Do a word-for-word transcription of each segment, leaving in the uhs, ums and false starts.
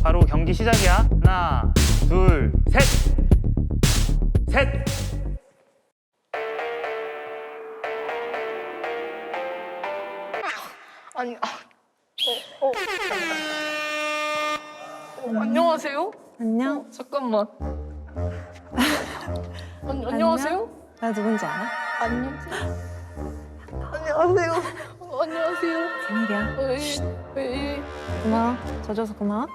바로 경기 시작이야. 하나, 둘, 셋! 셋! 아니, 아, 어, 어, 어, 안녕하세요? 안녕. 어, 잠깐만. 아니, 안녕하세요? 나 누군지 알아? 안녕하세요? 안녕하세요? 어, 안녕하세요? 비밀이야. 왜, 왜, 고마워. 져줘서 고마워.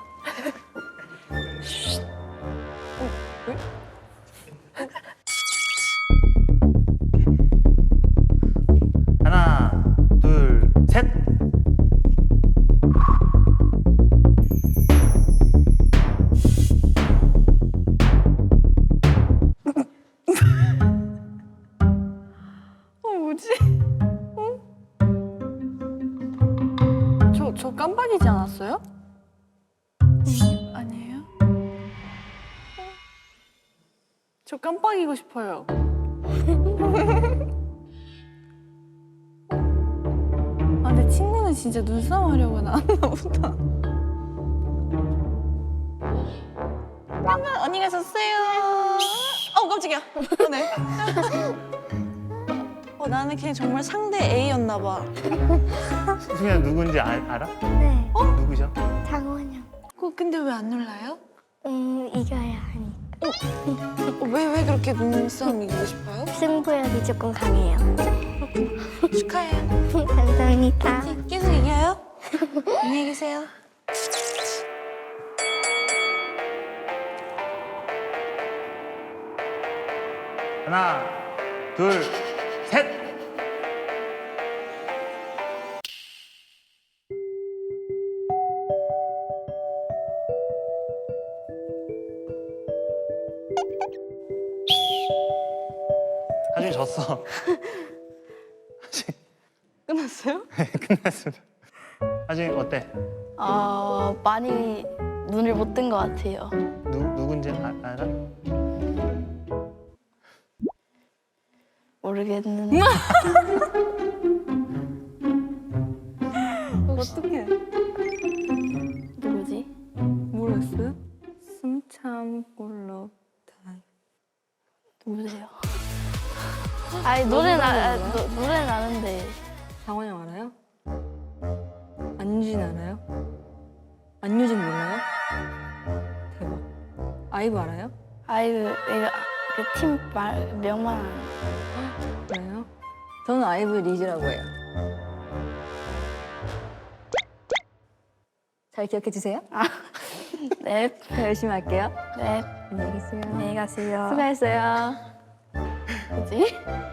하나, 둘, 셋! 어, 뭐지? 어? 저, 저 깜빡이지 않았어요? 아니에요? 저 깜빡이고 싶어요. 아, 근데 친구는 진짜 눈싸움 하려고 나왔나 보다. 잠깐, 언니가 졌어요. 어, 깜짝이야. 어, 네. 어, 나는 그냥 정말 상대 A였나 봐. 수민아 누군지 아, 알아? 네, 어? 누구셔? 장원영. 어, 근데 왜 안 놀라요? 음, 이겨야 하니까. 어, 왜, 왜 그렇게 눈싸움 이기고 싶어요? 승부욕이 조금 강해요. 축하해요. 감사합니다. 계속 이겨요? 안녕히 계세요. 하나, 둘, 셋! 하준이 졌어. 끝났어요? 끝났습니다. 하준이 어때? 어, 많이 눈을 못 뜬 것 같아요. 누, 누군지 아, 알아? 모르겠는데. 어떡해. 누구지? 모르겠어요? 숨 참고로 다. 누구세요? 아니, 노래는, 아, 노, 노래는 아는데. 장원영 알아요? 안유진 알아요? 안유진 몰라요? 대박. 아이브 알아요? 아이고, 내가 그팀 말, 명만 아는. 그래요? 저는 아이브 리즈라고 해요. 잘 기억해 주세요. 네, 열심히 할게요. 네. 안녕히 계세요. 안녕히 가세요. 수고했어요. 뭐지?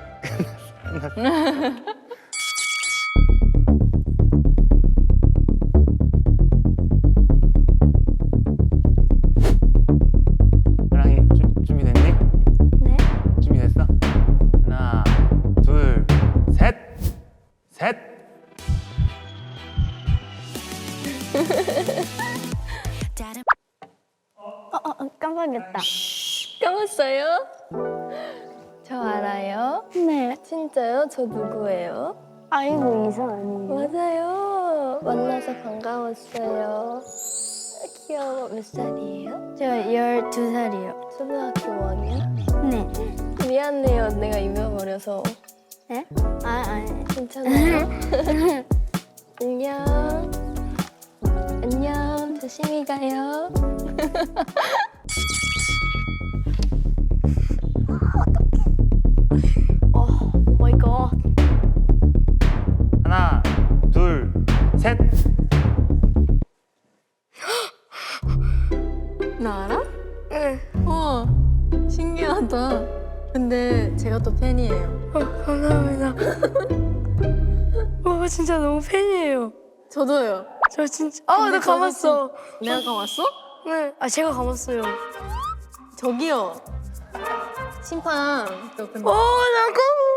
하랑이 주, 준비됐니? 네. 준비됐어? 하나, 둘, 셋! 셋! 어, 어, 어, 깜빡했다. 까먹었어요? 저 알아요? 네. 진짜요? 저 누구예요? 아이고, 이상 아니에요. 맞아요. 만나서 반가웠어요. 귀여워. 몇 살이에요? 저 열두 살이요. 초등학교 오 학년? 네. 미안해요. 내가 잊어버려서. 네? 아, 아니. 괜찮아요? 안녕. 안녕. 조심히 가요. 어, 오 마이 갓. 하나, 둘, 셋! 나 알아? 응. 우와, 신기하다. 근데 제가 또 팬이에요. 어, 감사합니다. 와, 진짜 너무 팬이에요. 저도요. 저 진짜. 아, 나 감았어. 내가 감았어? 네. 아, 제가 감았어요. 저기요. 심판. 저 근데 어, 나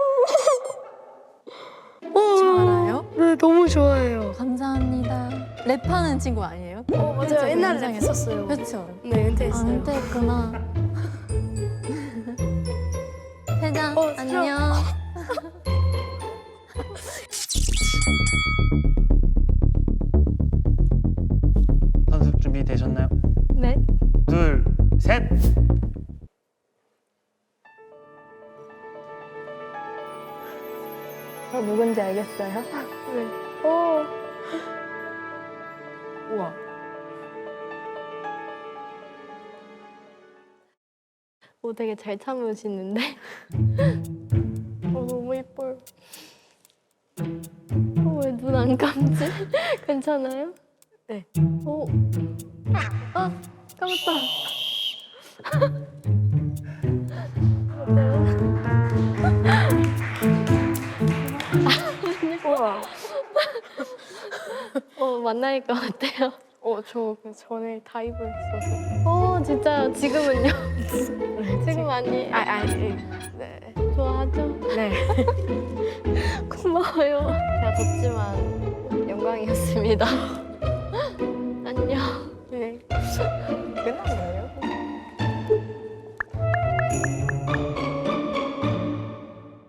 감어. 저 알아요? 네, 너무 좋아해요. 감사합니다. 랩하는 친구 아니에요? 어, 맞아요. 그쵸, 옛날에 굉장히- 했었어요. 그렇죠. 네, 은퇴했어요. 안 됐구나. 회장 어, 진짜? 안녕. 선수 준비되셨나요? 네. 둘, 셋. 저 누군지 알겠어요? 네. 오. 우와. 오, 되게 잘 참으시는데? 어, 너무 예뻐요. 어, 왜 눈 안 감지? 괜찮아요? 네. 오. 아, 감았다. 우와. 어, 만날 것 같아요. 어, 저 전에 다이브 했어서. 어, 진짜요? 지금은요? 지금 아니에요. 아, 아, 예. 네. 좋아하죠? 네. 고마워요. 제가 덥지만 영광이었습니다.